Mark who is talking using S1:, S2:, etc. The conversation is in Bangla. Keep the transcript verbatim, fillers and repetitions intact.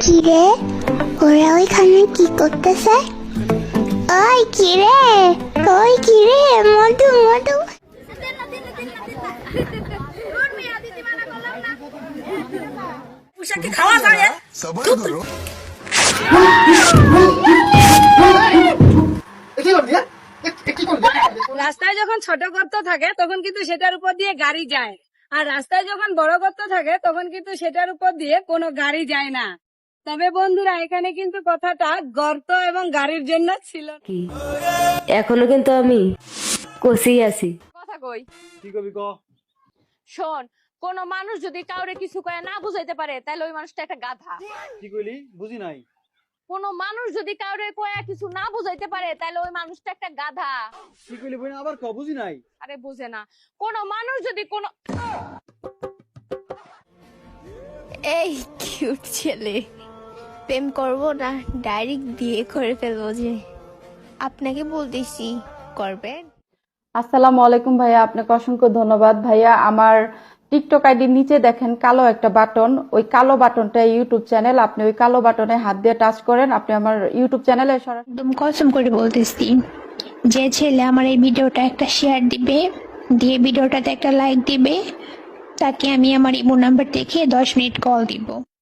S1: কিরে ওরা ওইখানে কি করতেছে? ওই কিরে ওই কিরে মধু মধু
S2: খাওয়া যায়
S3: সবাই করো
S2: রাস্তায় যখন ছোট গর্ত থাকে তখন কিন্তু সেটার উপর দিয়ে গাড়ি যায়, আর রাস্তায় যখন বড় গর্ত থাকে তখন কিন্তু সেটার উপর দিয়ে কোনো গাড়ি যায় না। তবে বন্ধুরা এখানে কিন্তু কথাটা গর্ত এবং গাড়ির জন্য ছিল
S4: কি এখনো কিন্তু আমি কষেই আছি।
S5: কথা কই,
S6: কি কবি ক
S5: শোন, কোন মানুষ যদি কাউরে কিছু কয়ে না বুঝাইতে পারে তাহলে ওই মানুষটা একটা গাধা।
S6: কি কইলি বুঝি নাই।
S5: কোন মানুষ যদি কাউরে কয়ে কিছু না বুঝাইতে পারে তাহলে ওই মানুষটা একটা গাধা।
S6: কি কইলি বই আবার ক বুঝি নাই।
S5: আরে বুঝে না, কোন মানুষ যদি কোন
S7: এই কিউট ছেলে প্রেম করবো না ডাইরেক্ট বিয়ে করে ফেলবো, যে আপনাকে বলতেছি করবেন।
S8: আসসালামু আলাইকুম ভাইয়া, আপনাকে অসংখ্য ধন্যবাদ ভাইয়া। আমার টিকটক আইডির নিচে দেখেন কালো একটা বাটন, ওই কালো বাটনটা ইউটিউব চ্যানেল, আপনি ওই কালো বাটনে হাত দিয়ে টাচ করেন, আপনি আমার ইউটিউব চ্যানেলে সরাসরি।
S7: একদম কসম করে বলতেছি, যে ছেলে আমার এই ভিডিওটা একটা শেয়ার দিবে, দিয়ে ভিডিওটাতে একটা লাইক দিবে, তাকে আমি আমার ইমো নাম্বার দেখে দশ মিনিট কল দিব।